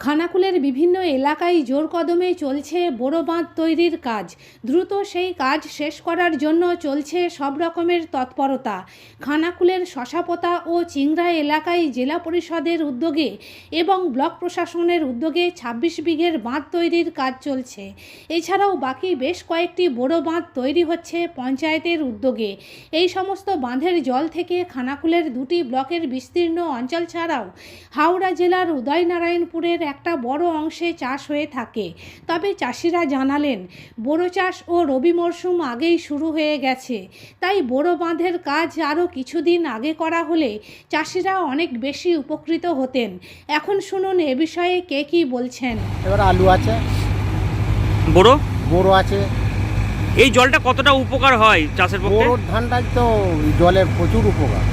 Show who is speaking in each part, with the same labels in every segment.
Speaker 1: খানাকুলের বিভিন্ন এলাকায় জোর কদমে চলছে বড় বাঁধ তৈরির কাজ। দ্রুত সেই কাজ শেষ করার জন্য চলছে সব রকমের তৎপরতা। খানাকুলের শশাপোতা ও চিংড়া এলাকায় জেলা পরিষদের উদ্যোগে এবং ব্লক প্রশাসনের উদ্যোগে ২৬ বিঘের বাঁধ তৈরির কাজ চলছে। এছাড়াও বাকি বেশ কয়েকটি বড় বাঁধ তৈরি হচ্ছে পঞ্চায়েতের উদ্যোগে। এই সমস্ত বাঁধের জল থেকে খানাকুলের দুটি ব্লকের বিস্তীর্ণ অঞ্চল ছাড়াও হাওড়া জেলার উদয়নারায়ণপুরের একটা বড় অংশে চাষ হয়ে থাকে। তবে চাষিরা জানালেন, বোরো চাষ ও রবি মরশুম আগেই শুরু হয়ে গেছে, তাই বড় বাঁধের কাজ আরও কিছুদিন আগে করা হলে চাষিরা অনেক বেশি উপকৃত হতেন। এখন শুনুন এ বিষয়ে কে কী বলছেন।
Speaker 2: এবার আলু আছে, বোরো আছে।
Speaker 3: এই জলটা কতটা উপকার হয় চাষের পক্ষে?
Speaker 2: বোরোর ধানটাই তো জলের প্রচুর উপকার।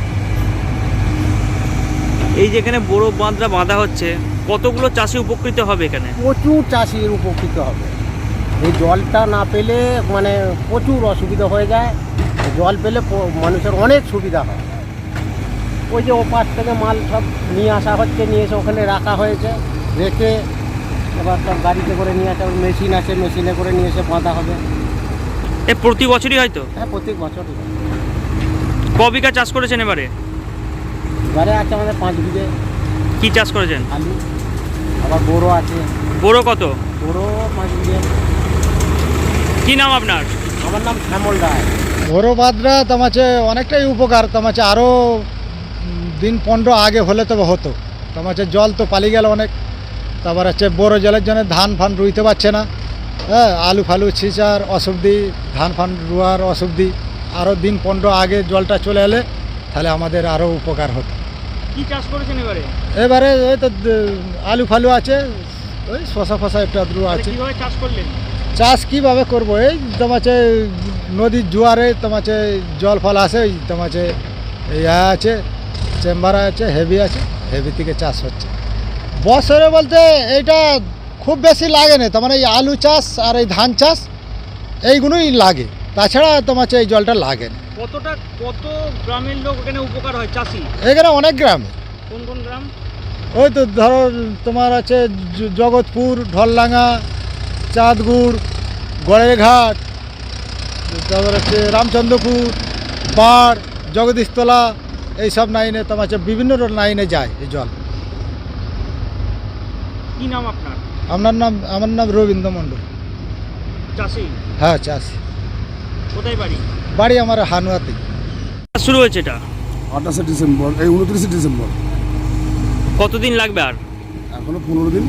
Speaker 3: এই যেখানে বড় বাঁধটা বাঁধা হচ্ছে, কতগুলো চাষি উপকৃত হবে এখানে?
Speaker 2: প্রচুর চাষির উপকৃত হবে। এই জলটা না পেলে মানে প্রচুর অসুবিধা হয়ে যায়। জল পেলে মানুষের অনেক সুবিধা হয়। ওই যে ওপাশ থেকে মাল সব নিয়ে আসা হচ্ছে, নিয়ে এসে ওখানে রাখা হয়েছে, রেখে এবার সব গাড়িতে করে নিয়ে আসা, মেশিন আছে, মেশিনে করে নিয়ে এসে বাঁধা হবে।
Speaker 3: এ প্রতি বছরই হয়তো?
Speaker 2: হ্যাঁ, প্রত্যেক বছরই।
Speaker 3: ক বিঘা চাষ করেছেন এবারে?
Speaker 2: এবারে আছে আমাদের 5 বিঘে।
Speaker 3: কি চাষ করেছেন?
Speaker 2: আলু, আবার বোরো আছে।
Speaker 3: বড় কত?
Speaker 2: বোরো 5 বিঘে।
Speaker 3: কি নাম আপনার?
Speaker 2: আমার নাম শ্যামল রায়।
Speaker 4: বড় বাঁধটা তোমাছে অনেকটাই উপকার। তোমাছে আরও দিন 15 আগে হলে তবে হতো। তোমাছে জল তো পালিয়ে গেল অনেক। তারপর হচ্ছে বড় জলের জন্য ধান ফান রুইতে পারছে না। হ্যাঁ, আলু ফালু ছিঁচার অসুবিধি, ধান ফান রুয়ার অসুবিধি। আরও দিন 15 আগে জলটা চলে এলে তাহলে আমাদের আরও উপকার হতো।
Speaker 3: কি চাষ করেছেন এবারে?
Speaker 4: এবারে ওই তো আলু ফালু আছে, ওই শশা ফসা একটু আদ্রু আছে।
Speaker 3: কিভাবে চাষ করলেন?
Speaker 4: চাষ কীভাবে করবো? এই তোমাছে নদীর জোয়ারে তোমাছে জল ফল আসে, ওই তোমাছে ইয়া আছে, চেম্বার আছে, হেভি আছে, হেভি থেকে চাষ হচ্ছে। বছরে বলতে এইটা খুব বেশি লাগে না, তোমার এই আলু চাষ আর এই ধান চাষ এইগুলোই লাগে, তাছাড়া তোমাছে এই জলটা লাগে না।
Speaker 3: কত গ্রামের লোক এখানে উপকার হয় চাষি?
Speaker 4: এখানে অনেক গ্রামে।
Speaker 3: কোন কোন গ্রাম?
Speaker 4: ওই তো ধরো তোমার আছে জগৎপুর, ঢলডাঙ্গা, চাঁদগুড়, গড়ের ঘাট, তারপর হচ্ছে রামচন্দ্রপুর, বাড়, জগদীশতলা, এইসব লাইনে তোমার হচ্ছে বিভিন্ন লাইনে যায় এই জল।
Speaker 3: কি নাম আপনার?
Speaker 4: আমার নাম রবীন্দ্র মণ্ডল।
Speaker 3: চাষি?
Speaker 4: হ্যাঁ, চাষি।
Speaker 3: কোথায় বাড়ি?
Speaker 4: বাড়ি আমার হানুয়াতে।
Speaker 3: শুরু হয়েছে এটা
Speaker 5: 28 ডিসেম্বর, এই 29 ডিসেম্বর।
Speaker 3: কতদিন লাগবে আর?
Speaker 5: এখনো 15 দিন।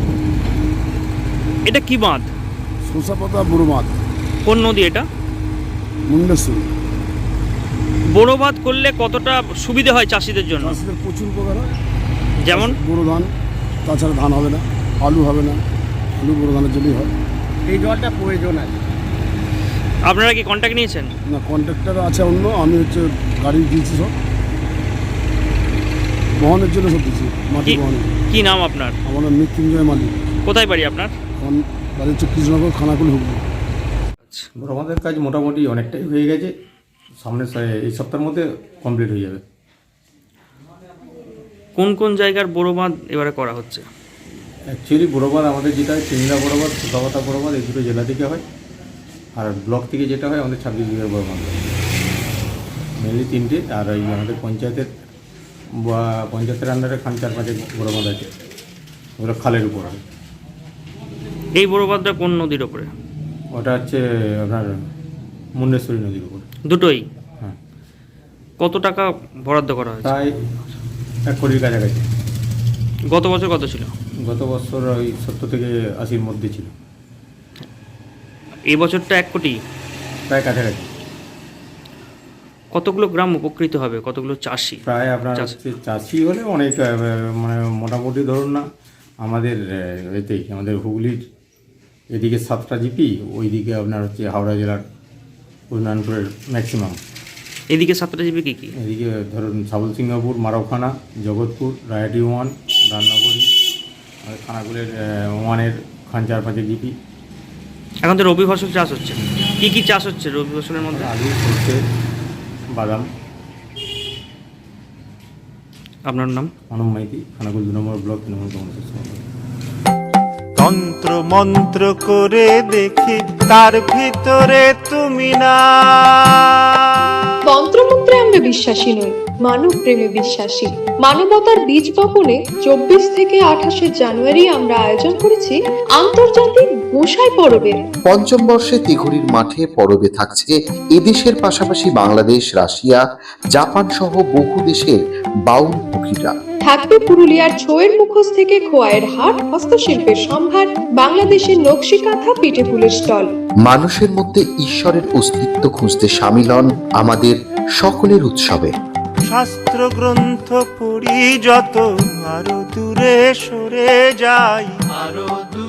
Speaker 3: এটা কি বাঁধ?
Speaker 5: শশাপাতা বড় বাঁধ।
Speaker 3: কোন নদী এটা?
Speaker 5: মুন্ডেশ্বরী।
Speaker 3: বড় বাঁধ করলে কতটা সুবিধা হয় চাষিদের জন্য?
Speaker 5: চাষিদের প্রচুর উপকার হয়।
Speaker 3: যেমন?
Speaker 5: বড় ধান, তাছাড়া ধান হবে না, আলু হবে না। আলু বড় ধানের জন্যই হয়।
Speaker 2: এই জলটা প্রয়োজন আছে।
Speaker 3: আপনারা কি কন্ট্যাক্ট নিয়েছেন?
Speaker 5: না, কন্ট্রাক্টর আছে অন্য, আমি হচ্ছে গাড়ি দিয়েছি সব বহনের জন্য, সব দিচ্ছি মাটি বহনের।
Speaker 3: কি নাম আপনার?
Speaker 5: আমার নাম মৃত্যুঞ্জয় মালিক।
Speaker 3: কোথায় বাড়ি আপনার?
Speaker 5: এখন বাড়ি হচ্ছে কৃষ্ণনগর, খানাকুল, হুগলি।
Speaker 6: আমাদের কাজ মোটামুটি অনেকটাই হয়ে গেছে। সামনের এই সপ্তাহের মধ্যে কমপ্লিট হয়ে যাবে।
Speaker 3: কোন কোন জায়গার বড় বাঁধ এবারে করা হচ্ছে?
Speaker 6: অ্যাকচুয়ালি বড় বাঁধ আমাদের যেটা হয় চিংড়া বড় বাঁধ, শশাপাতা বড় বাঁধ, এই দুটো জেলা থেকে হয়। আর ব্লক থেকে যেটা হয় আমাদের 26 বিঘার বড় বাঁধ, মেনলি 3টে। আর এই আমাদের পঞ্চায়েতের আন্ডারে খান 4-5 বড় বাঁধ আছে, ওগুলো খালের উপর হয়।
Speaker 3: এই বড় বাঁধটা কোন নদীর ওপরে?
Speaker 6: ওটা হচ্ছে আপনার মুন্ডেশ্বরী নদীর উপর।
Speaker 3: দুটোই?
Speaker 6: হ্যাঁ।
Speaker 3: কত টাকা বরাদ্দ করা হয়েছে?
Speaker 6: প্রায় 1 কোটির কাছাকাছি।
Speaker 3: গত বছর কত ছিল?
Speaker 6: গত বছর ওই 70 থেকে 80-র মধ্যে ছিল।
Speaker 3: এই বছরটা 1 কোটি?
Speaker 6: প্রায় কাছাকাছি।
Speaker 3: কতগুলো গ্রাম উপকৃত হবে, কতগুলো চাষি?
Speaker 6: প্রায় আপনার হচ্ছে চাষি হলে অনেক, মানে মোটামুটি ধরুন না, আমাদের এতেই আমাদের হুগলির এদিকে 7টা জিপি, ওইদিকে আপনার হচ্ছে হাওড়া জেলার উদয়নারায়ণপুরের ম্যাক্সিমাম।
Speaker 3: এদিকে 7টা জিপি কী কী?
Speaker 6: এদিকে ধরুন সাবলসিংহপুর, মারোখানা, জগৎপুর, রায়হাটি 1, রান্নাগড়ি, আর খানাকুলের 1-এর খান 4-5 জিপি।
Speaker 3: এখন তো রবি ফসল চাষ হচ্ছে, কী কী চাষ হচ্ছে রবি ফসলের মধ্যে?
Speaker 6: আলু, সরষে, বাদাম।
Speaker 3: আপনার নাম?
Speaker 6: মানব মাইতি, খানাকুল 2 নম্বর ব্লক তৃণমূল কংগ্রেসের সভাপতি।
Speaker 7: তন্ত্র মন্ত্র করে দেখি তার ভিতরে তুমি না।
Speaker 8: তন্ত্রমন্ত্রে আমরা বিশ্বাসী নই, মানব প্রেমে বিশ্বাসী। মানবতার বীজ বপনে 24 থেকে 28 জানুয়ারি আমরা আয়োজন করেছি আন্তর্জাতিক গোসাই পরবের।
Speaker 9: পঞ্চম বর্ষে তিঘুরির মাঠে পরবে থাকছে এদেশের পাশাপাশি বাংলাদেশ, রাশিয়া, জাপান সহ বহু দেশের বাউল পুকিরা।
Speaker 8: থাকবে পুরুলিয়ার ছোয়ের মুখোশ থেকে খোয়াইয়ের হাট, হস্তশিল্পের সম্ভার, বাংলাদেশের নকশি কাঁথা, পিঠে ফুলের স্টল।
Speaker 9: মানুষের মধ্যে ঈশ্বরের অস্তিত্ব খুঁজতে সামিল হন আমাদের সকলের উৎসবে।
Speaker 7: শাস্ত্র গ্রন্থ পড়ি যত আরো দূরে সরে যাই, আরো দূরে